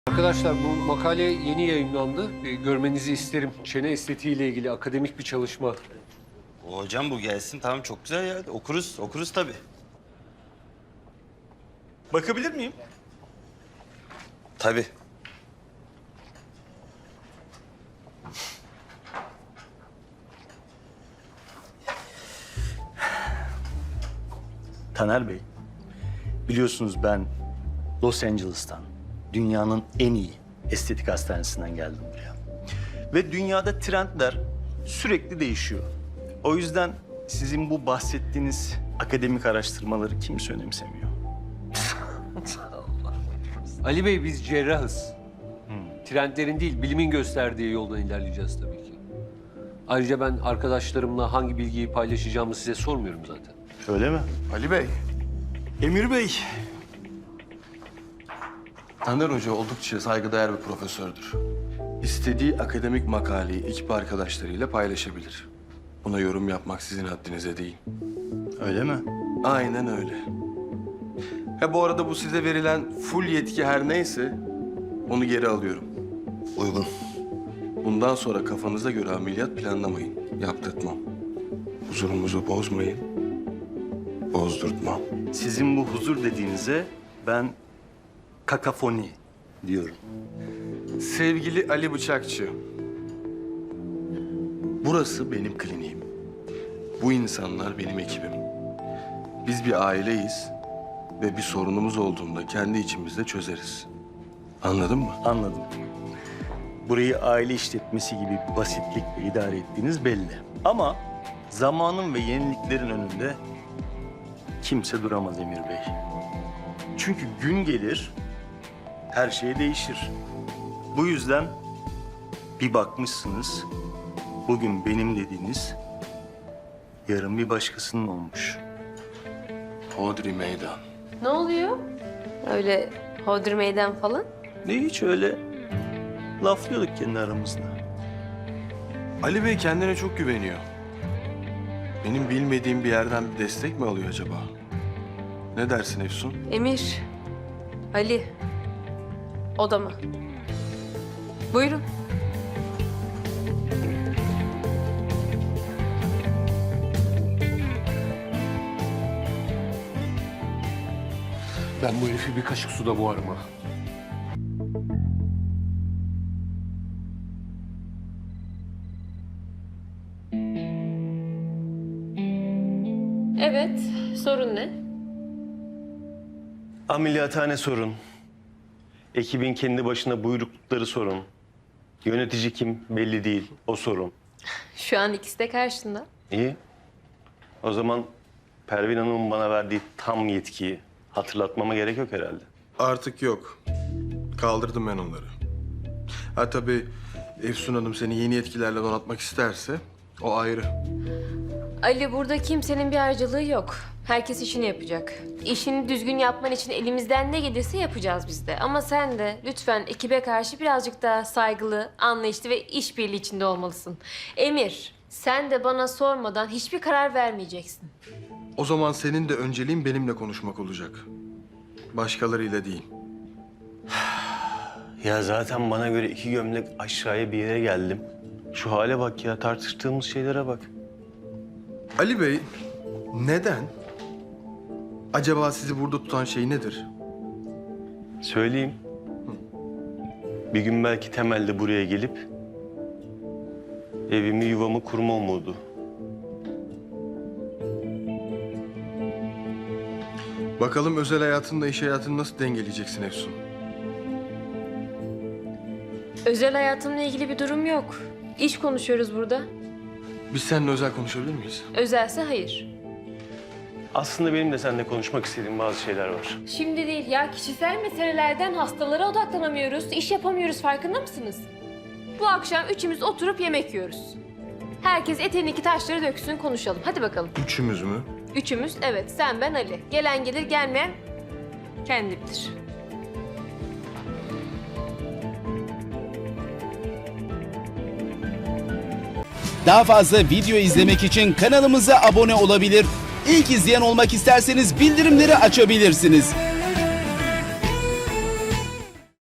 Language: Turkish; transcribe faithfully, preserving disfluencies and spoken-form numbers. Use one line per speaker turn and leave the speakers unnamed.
Arkadaşlar bu makale yeni yayımlandı. E, görmenizi isterim. Çene estetiği ile ilgili akademik bir çalışma.
O hocam bu gelsin tamam çok güzel ya. Okuruz, okuruz tabii. Bakabilir miyim? Tabii.
Taner Bey, biliyorsunuz ben Los Angeles'tan, dünyanın en iyi estetik hastanesinden geldim buraya. Ve dünyada trendler sürekli değişiyor. O yüzden sizin bu bahsettiğiniz akademik araştırmaları kimse önemsemiyor.
Ali Bey biz cerrahız. Trendlerin değil, bilimin gösterdiği yoldan ilerleyeceğiz tabii ki. Ayrıca ben arkadaşlarımla hangi bilgiyi paylaşacağımı size sormuyorum zaten.
Öyle mi?
Ali Bey,
Emir Bey.
Taner Hoca oldukça saygıdeğer bir profesördür. İstediği akademik makaleyi ekip arkadaşlarıyla paylaşabilir. Buna yorum yapmak sizin haddinize değil.
Öyle mi?
Aynen öyle. Ha bu arada bu size verilen full yetki her neyse onu geri alıyorum.
Uygun.
Bundan sonra kafanıza göre ameliyat planlamayın. Yaptırtmam. Huzurumuzu bozmayın. Bozdurtmam.
Sizin bu huzur dediğinize ben kakafoni diyorum.
Sevgili Ali Bıçakçı, burası benim kliniğim. Bu insanlar benim ekibim. Biz bir aileyiz ve bir sorunumuz olduğunda kendi içimizde çözeriz. Anladın mı?
Anladım. Burayı aile işletmesi gibi bir basitlikle idare ettiğiniz belli. Ama zamanın ve yeniliklerin önünde kimse duramaz Emir Bey. Çünkü gün gelir, her şey değişir. Bu yüzden bir bakmışsınız, bugün benim dediğiniz yarın bir başkasının olmuş.
Hodri meydan.
Ne oluyor? Öyle hodri meydan falan.
Ne hiç öyle laflıyorduk kendi aramızda.
Ali Bey kendine çok güveniyor. Benim bilmediğim bir yerden bir destek mi alıyor acaba? Ne dersin Efsun?
Emir, Ali, odama. Buyurun.
Ben bu herifi bir kaşık suda boğarım ha.
Evet, sorun ne?
Ameliyathane sorun. Ekibin kendi başına buyruklukları sorun. Yönetici kim belli değil, o sorun.
Şu an ikisi de karşında.
İyi. O zaman Pervin Hanım'ın bana verdiği tam yetkiyi hatırlatmama gerek yok herhalde.
Artık yok. Kaldırdım ben onları. Ha tabii Efsun Hanım seni yeni yetkilerle donatmak isterse o ayrı.
Ali, burada kimsenin bir harcılığı yok. Herkes işini yapacak. İşini düzgün yapman için elimizden ne gelirse yapacağız biz de. Ama sen de lütfen ekibe karşı birazcık daha saygılı, anlayışlı ve işbirliği içinde olmalısın. Emir, sen de bana sormadan hiçbir karar vermeyeceksin.
O zaman senin de önceliğin benimle konuşmak olacak. Başkalarıyla değil.
Ya zaten bana göre iki gömlek aşağıya bir yere geldim. Şu hale bak ya, tartıştığımız şeylere bak.
Ali Bey, neden? Acaba sizi burada tutan şey nedir?
Söyleyeyim. Bir gün belki temelde buraya gelip evimi yuvamı kurma umudu.
Bakalım özel hayatınla iş hayatını nasıl dengeleyeceksin Efsun?
Özel hayatımla ilgili bir durum yok. İş konuşuyoruz burada.
Biz seninle özel konuşabilir miyiz?
Özelse hayır.
Aslında benim de seninle konuşmak istediğim bazı şeyler var.
Şimdi değil ya, kişisel meselelerden hastalara odaklanamıyoruz, iş yapamıyoruz, farkında mısınız? Bu akşam üçümüz oturup yemek yiyoruz. Herkes eteğindeki taşları döksün, konuşalım. Hadi bakalım.
Üçümüz mü?
Üçümüz, evet, sen, ben, Ali. Gelen gelir, gelmeyen kendi bilir.
Daha fazla video izlemek için kanalımıza abone olabilir. İlk izleyen olmak isterseniz bildirimleri açabilirsiniz.